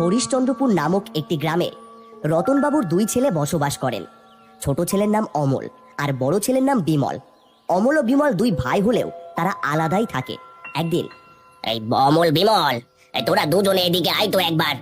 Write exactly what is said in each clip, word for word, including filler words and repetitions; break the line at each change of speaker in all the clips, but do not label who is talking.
হরিশ্চন্দ্রপুর নামক একটি গ্রামে রতনবাবুর দুই ছেলে বসবাস করেন। ছোট ছেলের নাম অমল আর বড় ছেলের নাম বিমল। অমল ও বিমল দুই ভাই হলেও তারা আলাদাই থাকে। একদিন,
এই অমল বিমল, এই তোরা দুজনে এদিকে আয় তো একবার।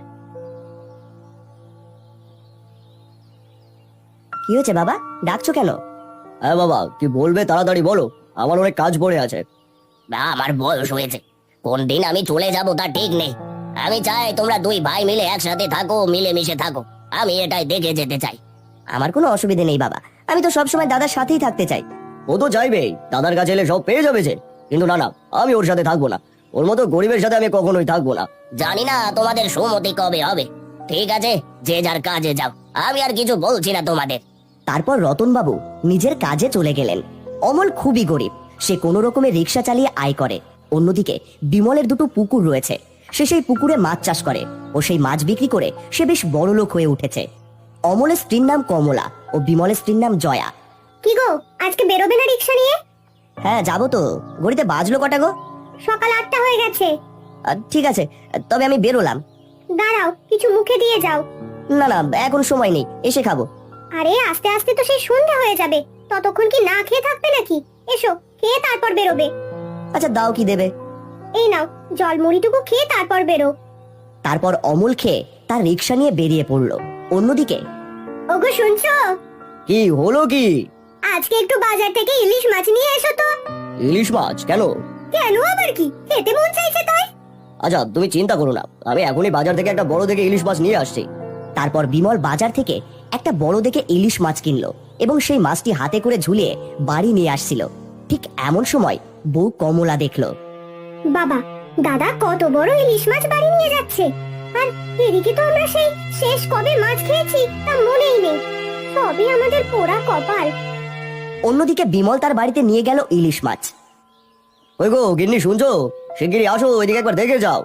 কি হয়েছে বাবা, ডাকছো কেন?
হ্যাঁ বাবা, কি বলবে তাড়াতাড়ি বলো, আমার অনেক কাজ পড়ে আছে।
না, আমার বয়স হয়েছে, কোন দিন আমি চলে যাব তা ঠিক নেই। আমি চাই তোমরা দুই ভাই মিলে একসাথে থাকো, মিলেমিশে থাকো। আমি এটাই দেখে যেতে চাই।
আমার কোনো অসুবিধে নেই বাবা, আমি তো সবসময় দাদার সাথেই থাকতে চাই।
ও তো চাইবেই, দাদার কাছে এলে সব পেয়ে যাবে যে। কিন্তু না না, আমি ওর সাথে থাকবো না। ওর মতো গরিবের সাথে আমি কখনোই থাকবো না।
জানি না তোমাদের সম্মতি কবে হবে। ঠিক আছে, যে যার কাজে যাও, আমি আর কিছু বলছি না তোমাদের।
তারপর রতনবাবু নিজের কাজে চলে গেলেন। অমল খুবই গরিব, সে কোনো রকমের রিক্সা চালিয়ে আয় করে। অন্যদিকে বিমলের দুটো পুকুর রয়েছে, সে সেই পুকুরে মাছ চাষ করে ও সেই মাছ বিক্রি করে সে বেশ বড়লোক হয়ে উঠেছে। অমলের স্ত্রীর নাম কমলা ও বিমলের স্ত্রীর নাম জয়া।
কি গো, আজকে বেরোবে না রিক্সা নিয়ে?
হ্যাঁ যাবো তো। ঘড়িতে বাজলো কটা গো?
সকাল আটটা হয়ে গেছে।
আহ, ঠিক আছে, তবে আমি বেরোলাম।
দাঁড়াও, কিছু মুখে দিয়ে যাও।
না না, এখন সময় নেই, এসে খাবো।
আরে আস্তে আস্তে তো সেই সন্ধ্যা হয়ে যাবে, ততক্ষণ কি না খেয়ে থাকবে নাকি? এসো, খেয়ে তারপর বেরোবে।
আচ্ছা দাও, কি দেবে?
এই নাও, জল মুড়িটুকু খেয়ে তারপর বেরো।
তারপর অমল খেয়ে তার রিক্সা নিয়ে বেরিয়ে পড়লো। অন্যদিকে,
ওগো শুনছো?
কি হলো কি?
আজকে একটু বাজার থেকে ইলিশ মাছ নিয়ে এসো তো।
ইলিশ মাছ কেন?
কেন আবার কি, খেতে মন চাইছে তাই।
আচ্ছা তুমি চিন্তা করো না, আমি এখনই বাজার থেকে একটা বড় দেখে ইলিশ মাছ নিয়ে আসছি।
তারপর বিমল বাজার থেকে একটা বড় দেখে ইলিশ মাছ কিনলো এবং সেই মাছটি হাতে করে ঝুলিয়ে বাড়ি নিয়ে আসছিল। ঠিক এমন সময় বউ কমলা দেখলো।
বাবা, দাদা কত বড় ইলিশ মাছ বাড়ি নিয়ে যাচ্ছে, আর এদিকে তো আমরা সেই শেষ কবে মাছ খেয়েছি তা মনেই নেই। সবই আমাদের পোড়া কপাল।
অন্যদিকে বিমল তার বাড়িতে নিয়ে গেল ইলিশ মাছ।
ওই গো গিন্নি, শুনছো? শিগগিরই আসো, ওইদিকে একবার দেখে যাও।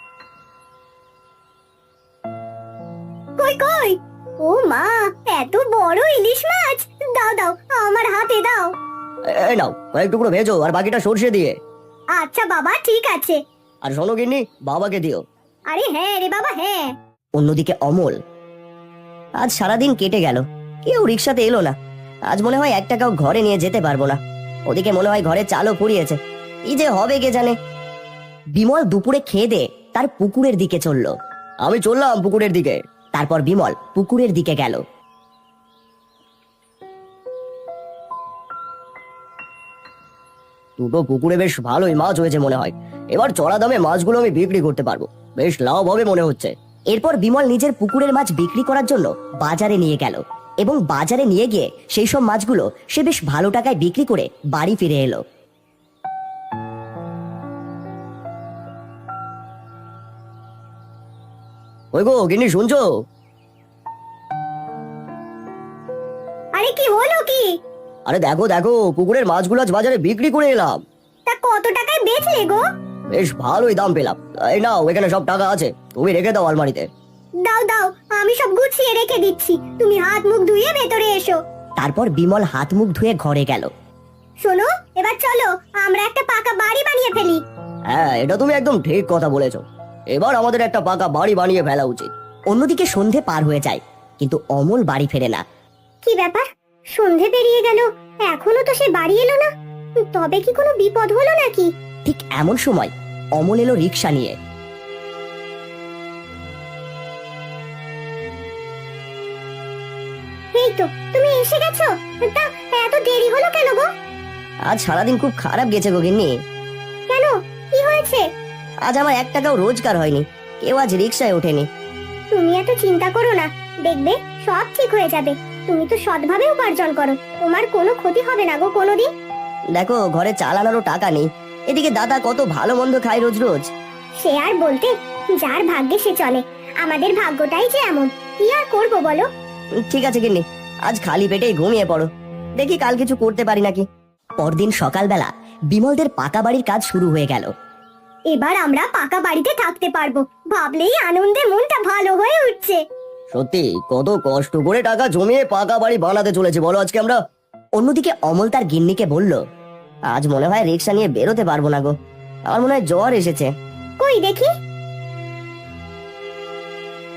কই কই, ও মা, এত বড় ইলিশ মাছ! দাও দাও, আমার হাতে দাও।
এ- এই নাও, কয়েক টুকরো ভেজো আর বাকিটা সর্ষে দিয়ে।
আচ্ছা বাবা, ঠিক আছে।
আর শোনো গিন্নি, বাবাকে দিও।
আরে হ্যাঁ রে বাবা, হ্যাঁ।
অন্যদিকে অমল, আজ সারাদিন কেটে গেল, কেউ রিক্সাতে এলো না। আজ মনে হয় এক টাকাও ঘরে নিয়ে যেতে পারবো না। ওদিকে মনে হয় ঘরে চালও ফুরিয়েছে, কি যে হবে কে জানে। বিমল দুপুরে খেয়ে দে তার পুকুরের দিকে চলল।
আমি চললাম পুকুরের দিকে।
তারপর বিমল পুকুরের দিকে গেল।
দুটো পুকুরে বেশ ভালোই মাছ হয়েছে মনে হয়। এবার চড়া দামে মাছগুলো আমি বিক্রি করতে পারবো, বেশ লাভ হবে মনে হচ্ছে।
এরপর বিমল নিজের পুকুরের মাছ বিক্রি করার জন্য বাজারে নিয়ে গেল এবং বাজারে নিয়ে গিয়ে সেই সব মাছগুলো সে বেশ ভালো টাকায় বিক্রি করে বাড়ি ফিরে এলো।
ওই গো গিন্নি, শুনছো?
আরে কি হলো কি?
আরে দেখো দেখো, পুকুরের মাছগুলো আজ বাজারে বিক্রি করে এলাম।
তা কত টাকায় বেচলে গো?
বেশ ভালোই দাম পেলাম। এই নাও, এখানে সব টাকা আছে, তুমি রেখে দাও আলমারিতে।
দাও দাও, আমি সব গুছিয়ে রেখে দিচ্ছি, তুমি হাত মুখ ধুয়ে ভেতরে এসো।
তারপর বিমল হাত মুখ ধুয়ে ঘরে গেল।
শোনো, এবার চলো আমরা একটা পাকা বাড়ি বানিয়ে ফেলি।
হ্যাঁ, এটা তুমি একদম ঠিক কথা বলেছো। এবার আমাদের একটা পাকা বাড়ি বানিয়ে ফেলা উচিত।
অন্যদিকে সন্ধে পার হয়ে যায়, কিন্তু অমল বাড়ি ফেরে না।
কি ব্যাপার, সন্ধে পেরিয়ে গেল, এখনো তো সে বাড়ি এলো না। তবে কি কোনো বিপদ হলো নাকি?
ঠিক এমন সময় অমল এলো রিক্সা নিয়ে।
এই তো, তুমি এসে গেছো। তা এত দেরি হলো কেন গো?
আজ সারাদিন খুব খারাপ গেছে গোগিন্নি।
কেন, কি হয়েছে?
আজ আমার এক টাকাও রোজগার হয়নি, কেউ আজ রিক্সায় ওঠেনি।
তুমি এত চিন্তা করো না, দেখবে সব ঠিক হয়ে যাবে। তুমি তো সৎভাবে উপার্জন করো, তোমার কোনো ক্ষতি হবে না গো কোনোদিন।
দেখো, ঘরে চালানোরও টাকা নেই, এদিকে দাদা কত ভালো মন্দ খায় রোজ রোজ।
সে আর বলতে, যার ভাগ্যে সে চলে। আমাদের ভাগ্যটাই যে এমন, কি আর করবো বলো।
ঠিক আছে গিন্নি, আজ খালি পেটেই ঘুমিয়ে পড়ো, দেখি কাল কিছু করতে পারি নাকি। পরদিন সকালবেলা বিমলদের পাকা বাড়ির কাজ শুরু হয়ে গেল।
এবার আমরা পাকা বাড়িতে থাকতে পারবো, ভাবলেই আনন্দে মনটা ভালো হয়ে উঠছে।
সত্যি কত কষ্ট করে টাকা জমিয়ে পাকা বাড়ি বানাতে চলেছে বলো আজকে আমরা।
অন্যদিকে অমল তার গিন্নিকে বলল, আজ মনে হয় রিক্সা নিয়ে বেরোতে পারবো না গো, আমার মনে হয় জ্বর এসেছে।
কই দেখি।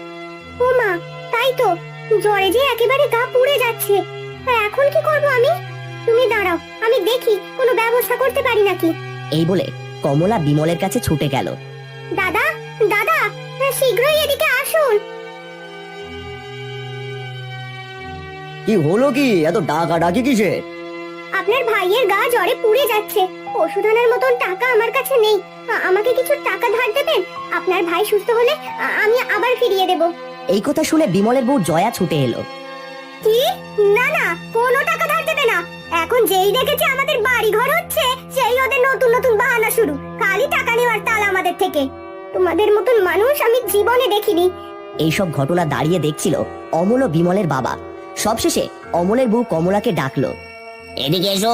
তো, জ্বরে যে একেবারে গা পুড়ে যাচ্ছে। এখন কি করব আমি? তুমি দাঁড়াও, আমি দেখি কোনো ব্যবস্থা করতে পারি নাকি।
এই বলে কমলা বিমলের কাছে ছুটে গেল।
দাদা, দাদা, শীঘ্রই এদিকে আসুন।
কি হলো কি, এত ডাকা ডাকি কিসে?
আপনার ভাইয়ের গা জ্বরে পুড়ে যাচ্ছে, ওষুধ আনার মতন টাকা আমার কাছে নেই। আ- আমাকে কিছু টাকা ধার দেবেন? আপনার ভাই সুস্থ হলে আ- আমি আবার ফিরিয়ে দেব।
এই কথা শুনে বিমলের বউ জয়া ছুটে এলো।
কি? না না, কোনো টাকা ধার দেবে না। এখন যেই দেখেছে আমাদের বাড়ি ঘর হচ্ছে, সেই ওদের নতুন নতুন বাহানা শুরু। খালি টাকা নেওয়ার তাল আমাদের থেকে। তোমাদের মতন মানুষ আমি জীবনে দেখিনি।
এইসব ঘটনা দাঁড়িয়ে দেখছিল অমল ও বিমলের বাবা। সবশেষে অমলের বউ কমলাকে ডাকলো।
এদিকে এসো।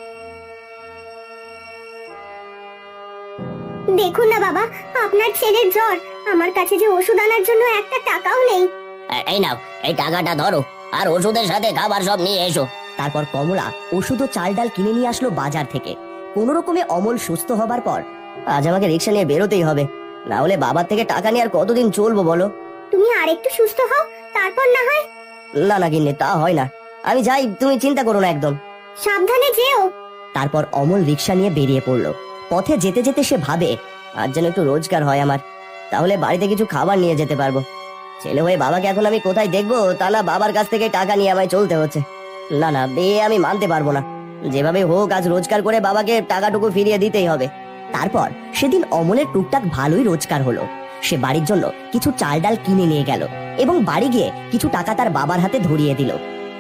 দেখুন না বাবা, আপনার ছেলের জ্বর, আমার কাছে যে ওষুধ আনার জন্য একটা টাকাও নেই।
এ- এই নাও, এই টাকাটা ধরো, আর ওষুধের সাথে খাবার সব নিয়ে এসো।
তারপর কমলা ওষুধ ও চাল ডাল কিনে নিয়ে আসলো বাজার থেকে। কোনো রকমে অমল সুস্থ হবার পর,
আজ আমাকে রিক্সা নিয়ে বেরোতেই হবে, না হলে বাবার থেকে টাকা নিয়ে আর কতদিন চলবো বলো?
তুমি আরেকটু সুস্থ হও, তারপর না হয়।
না না গিন্নি, তা হয় না। আমি যাই, তুমি চিন্তা করো না একদম।
সাবধানে যেও।
তারপর অমল রিক্সা নিয়ে বেরিয়ে পড়লো। পথে যেতে যেতে সে ভাবে,
আজ যেন একটু রোজগার হয় আমার, তাহলে বাড়িতে কিছু খাবার নিয়ে যেতে পারবো। ছেলে হয়ে বাবাকে এখন আমি কোথায় দেখবো, তা না বাবার কাছ থেকে টাকা নিয়ে আমায় চলতে হচ্ছে। না না, বে আমি মানতে পারবো না। যেভাবে হোক আজ রোজগার করে বাবাকে টাকাটুকু ফিরিয়ে দিতেই হবে।
তারপর সেদিন অমলের টুকটাক ভালোই রোজগার হলো। সে বাড়ির জন্য কিছু চাল ডাল কিনে নিয়ে গেল এবং বাড়ি গিয়ে কিছু টাকা তার বাবার হাতে ধরিয়ে দিল।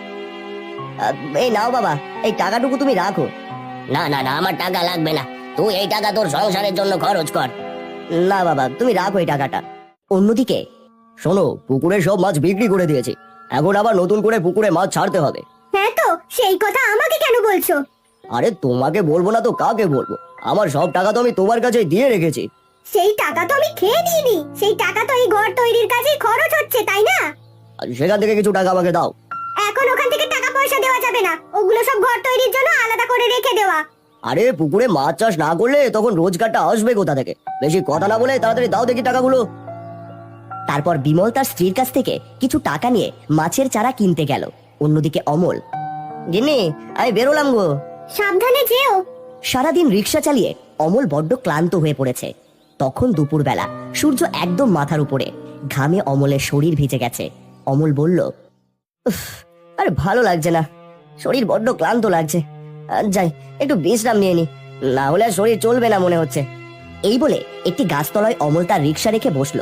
আহ, এই নাও বাবা, এই টাকাটুকু তুমি রাখো।
না না না, আমার টাকা লাগবে না, তুই এই টাকা তোর সংসারের জন্য খরচ কর।
না বাবা, তুমি রাখো এই টাকাটা।
অন্যদিকে
শোনো, পুকুরে সব মাছ বিক্রি করে দিয়েছি, এখন আবার নতুন করে পুকুরে মাছ ছাড়তে হবে।
হ্যাঁ তো, সেই কথা আমাকে কেন বলছো?
আরে তোমাকে বলবো না তো কাকে বলবো? আমার সব টাকা তো আমি তোমার কাছে দিয়ে রেখেছি।
সেই টাকা তো আমি খেয়ে দিইনি, সেই টাকা তো এই ঘর তৈরির কাজেই খরচ হচ্ছে, তাই না?
আর সেখান থেকে কিছু টাকা আমাকে দাও।
এখন ওখান থেকে টাকা পয়সা দেওয়া যাবে না, ওগুলো সব ঘর তৈরির জন্য আলাদা করে রেখে দেওয়া।
আরে পুকুরে মাছ চাষ না করলে তখন রোজগারটা আসবে কোথা থেকে? বেশি কথা না বলে তাড়াতাড়ি দাও দেখি টাকাগুলো।
তারপর বিমল তার স্ত্রীর কাছ থেকে কিছু টাকা নিয়ে মাছের চারা কিনতে গেল। অন্যদিকে অমল,
গিন্নি, আমি বেরোলাম গো।
সাবধানে যেও।
সারাদিন রিক্সা চালিয়ে অমল বড্ড ক্লান্ত হয়ে পড়েছে। তখন দুপুরবেলা, সূর্য একদম মাথার উপরে, ঘামে অমলের শরীর ভিজে গেছে। অমল বলল,
উফ, আরে ভালো লাগছে না, শরীর বড্ড ক্লান্ত লাগছে। আর যাই, একটু বিশ্রাম নিয়ে নি, না হলে আর শরীর চলবে না মনে হচ্ছে।
এই বলে একটি গাছতলায় অমল তার রিক্সা রেখে বসলো।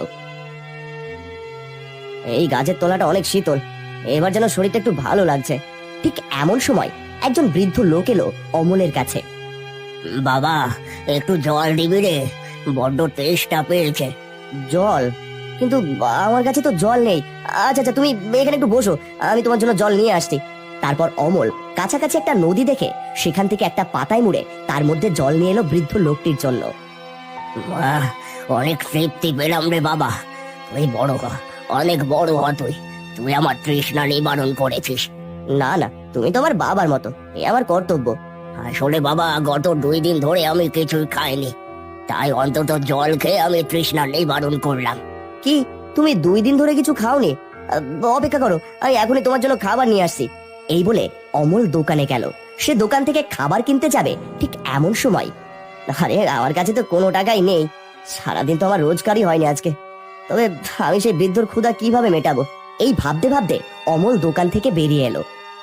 এই গাছের তলাটা অনেক শীতল, এবার যেন শরীরটা একটু ভালো লাগছে।
ঠিক এমন সময় একজন বৃদ্ধ লোক এলো অমলের কাছে।
বাবা, একটু জল দিবি রে, বড্ড তেষ্টা পেয়েছে।
জল? কিন্তু আমার কাছে তো জল নেই। আচ্ছা আচ্ছা, তুমি এখানে একটু বসো, আমি তোমার জন্য জল নিয়ে আসছি।
তারপর অমল কাছাকাছি একটা নদী দেখে সেখান থেকে একটা পাতায় মুড়ে তার মধ্যে জল নিয়ে এলো বৃদ্ধ লোকটির জন্য।
বাহ, অনেক তৃপ্তি পেলাম রে বাবা, তুই বড় হ, অনেক বড় হ তুই, তুই আমার তৃষ্ণা নিবারণ করেছিস।
না না, তুমি তো আমার বাবার মতো, এ আমার কর্তব্য।
আসলে বাবা, গত দুই দিন ধরে আমি কিছুই খাইনি, তাই অন্তত জল খেয়ে আমি তৃষ্ণা নিবারণ করলাম।
কি, তুমি দুই দিন ধরে কিছু খাওনি? আহ, অপেক্ষা করো, আমি এখনই তোমার জন্য খাবার নিয়ে আসছি।
এই বলে অমল দোকানে গেল। সে দোকান থেকে খাবার কিনতে যাবে, ঠিক এমন সময়,
আরে আমার কাছে তো কোনো টাকাই নেই, সারাদিন তো আমার রোজগারই হয়নি আজকে, তবে আমি সেই বৃদ্ধর ক্ষুধা কিভাবে মেটাবো?
এই ভাবতে ভাবতে অমল দোকান থেকে বেরিয়ে এলো।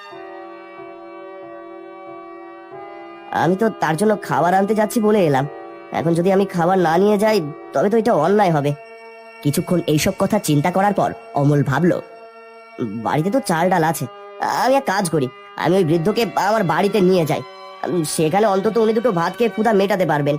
আমি তো তার জন্য খাবার আনতে যাচ্ছি বলে এলাম, এখন যদি আমি খাবার না নিয়ে যাই তবে তো এটা অন্যায় হবে।
কিছুক্ষণ এইসব কথা চিন্তা করার পর অমল ভাবলো,
বাড়িতে তো চাল ডাল আছে, আমি এক কাজ করি, আমি ওই বৃদ্ধকে আমার বাড়িতে নিয়ে যাই, উম, সেখানে অন্তত উনি দুটো ভাত খেয়ে ক্ষুধা মেটাতে পারবেন।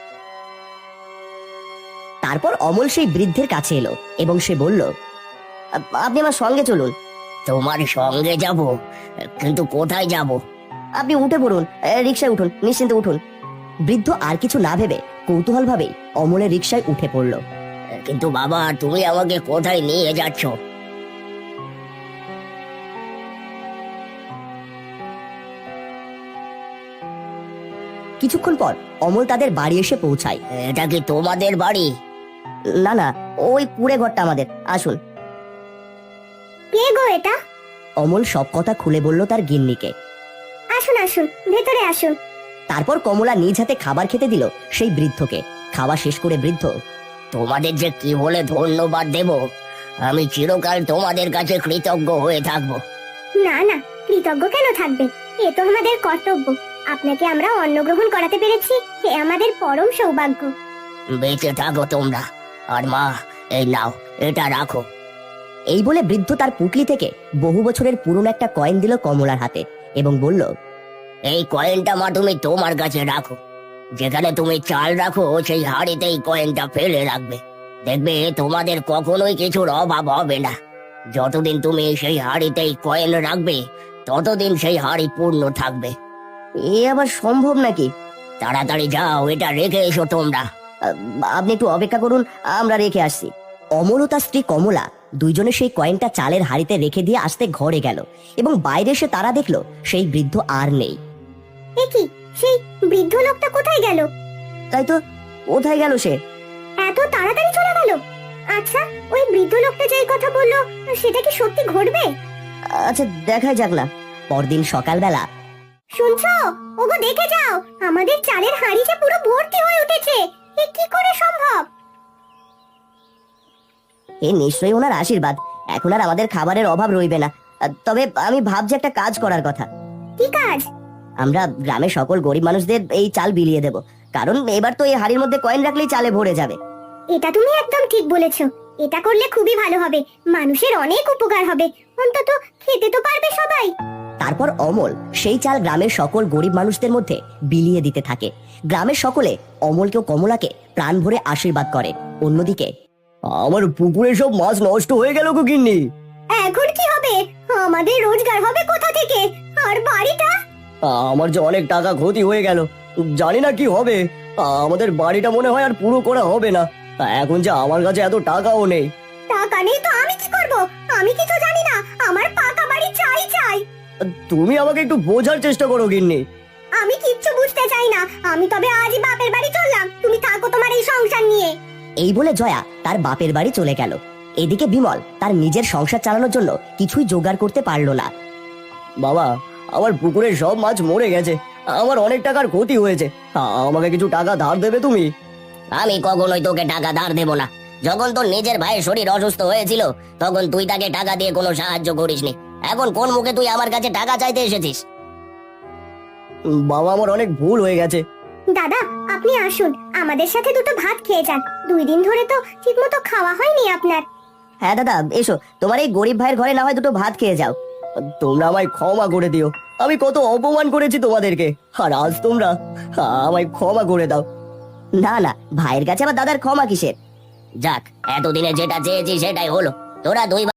তারপর অমল সেই বৃদ্ধের কাছে এলো এবং সে বলল,
আপ- আপনি আমার সঙ্গে চলুন।
তোমার সঙ্গে যাব? কিন্তু কোথায় যাব?
আপনি উঠে পড়ুন, এ, রিকশায় উঠুন, নিশ্চিন্তে উঠুন।
বৃদ্ধ আর কিছু না ভেবে কৌতূহল ভাবেই অমলের রিকশায় উঠে পড়ল।
কিন্তু বাবা, তুমি আমাকে কোথায় নিয়ে যাচ্ছ?
কিছুক্ষণ পর অমল তাদের বাড়ি এসে পৌঁছায়।
এটা কি তোমাদের বাড়ি?
না না, ওই কুড়ে ঘরটা আমাদের, আসুন।
কে গো এটা?
অমল সব কথা খুলে বলল তার গিন্নিকে।
আসুন আসুন, ভেতরে আসুন।
তারপর কমলা নিজ হাতে খাবার খেতে দিল সেই বৃদ্ধকে। খাওয়া শেষ করে বৃদ্ধ,
তোমাদের যে কি বলে ধন্যবাদ দেব, আমি চিরকাল তোমাদের কাছে কৃতজ্ঞ হয়ে থাকবো।
না না, কৃতজ্ঞ কেন থাকবে? এ তো আমাদের কর্তব্য। আপনাকে আমরা অন্ন গ্রহণ করাতে পেরেছি, এ আমাদের পরম সৌভাগ্য।
বেঁচে থাকো তোমরা। আর মা, এই নাও, এটা রাখো।
এই বলে বৃদ্ধ তার পুটলি থেকে বহু বছরের পুরনো একটা কয়েন দিল কমলার হাতে এবং বলল,
এই কয়েনটা মা তুমি তোমার কাছে রাখো। যেখানে তুমি চাল রাখো সেই হাড়িতেই কয়েনটা ফেলে রাখবে। দেখবে তোমাদের কখনোই কিছুর অভাব হবে না। যতদিন তুমি সেই হাড়িতেই কয়েন রাখবে, ততদিন সেই হাড়ি পূর্ণ থাকবে।
এ আবার সম্ভব নাকি?
তাড়াতাড়ি যাও, এটা রেখে এসো তোমরা।
আহ, আপনি একটু অপেক্ষা করুন, আমরা রেখে আসছি। অমল ও তার স্ত্রী কমলা দুইজনে সেই কয়েনটা চালের হাড়িতে রেখে দিয়ে আসতে ঘরে গেল এবং বাইরে এসে তারা দেখলো সেই বৃদ্ধ আর নেই।
এ কি, সেই বৃদ্ধ লোকটা কোথায় গেল?
তাই তো, কোথায় গেল সে?
এত তাড়াতাড়ি চলে গেল? আচ্ছা, ওই বৃদ্ধ লোকটা যেই কথা বললো, সেটা কি সত্যি ঘটবে?
আচ্ছা, দেখাই যাক না। পরদিন সকালবেলা
শুনছো? ওগো, দেখে যাও, আমাদের চালের হাঁড়ি যে পুরো ভর্তি হয়ে উঠেছে। এ কি করে সম্ভব?
এ নিশ্চয়ই ওনার আশীর্বাদ। এখন আর আমাদের খাবারের অভাব রইবে না। আহ, তবে আমি ভাবছি একটা কাজ করার কথা।
কি কাজ?
আমরা গ্রামের সকল গরিব মানুষদের এই চাল বিলিয়ে দেব, কারণ এবার তো এই হাড়ির মধ্যে কয়েন রাখলেই চালে ভরে যাবে।
এটা তুমি একদম ঠিক বলেছো। এটা করলে খুবই ভালো হবে, মানুষের অনেক উপকার হবে, অন্তত খেতে তো পারবে সবাই।
তারপর অমল সেই চাল গ্রামের সকল গরিব মানুষদের মধ্যে বিলিয়ে দিতে থাকে। গ্রামের সকলে অমলকে ও কমলাকে প্রাণ ভরে আশীর্বাদ করে। অন্যদিকে, আমার পুকুরে সব মাছ নষ্ট হয়ে গেল গো গিন্নি।
এখন কি হবে? আমাদের রোজগার হবে কোথা থেকে? আর বাড়িটা?
আমার যে অনেক টাকা ক্ষতি হয়ে গেল, জানি না কি হবে। আমাদের বাড়িটা মনে হয় আর পুরো করা হবে না। এখন যে আমার কাছে এত টাকাও নেই।
টাকা নেই তো আমি কি করব? আমি কিছু জানি না, আমার পাকা বাড়ি চাই চাই।
তুমি আমাকে একটু বোঝার চেষ্টা করো গিন্নি।
আমি কিচ্ছু বুঝতে চাই না। আমি তবে আজই বাপের বাড়ি চললাম, তুমি থাকো তোমার এই সংসার নিয়ে।
এই বলে জয়া তার বাপের বাড়ি চলে গেল। এদিকে বিমল তার নিজের সংসার চালানোর জন্য কিছুই জোগাড় করতে পারলো না। বাবা, আমার পুকুরের সব মাছ মরে গেছে, আমার অনেক টাকার ক্ষতি হয়েছে, আমাকে কিছু টাকা ধার দেবে তুমি?
আমি কখনোই তোকে টাকা ধার দেব না। যখন তোর নিজের ভাইয়ের শরীর অসুস্থ হয়েছিল, তখন তুই তাকে টাকা দিয়ে কোনো সাহায্য করিসনি। এখন কোন মুখে তুই আমার কাছে টাকা চাইতে এসেছিস?
বাবা, আমার অনেক ভুল হয়ে গেছে।
দাদা, আপনি আসুন, আমাদের সাথে দুটো ভাত খেয়ে যান। দুই দিন ধরে তো ঠিকমতো খাওয়া হয়নি আপনার।
হ্যাঁ দাদা, এসো, তোমার এই গরিব ভাইয়ের ঘরে না হয় দুটো ভাত খেয়ে যাও। তোমরা আমায় ক্ষমা করে দিও, আমি কত অপমান করেছি তোমাদেরকে, আর আজ তোমরা আমায় ক্ষমা করে দাও। না না, ভাইয়ের কাছে আবার দাদার ক্ষমা কিসের?
যাক, এতদিনে যেটা চেয়েছি সেটাই হলো। তোরা দুই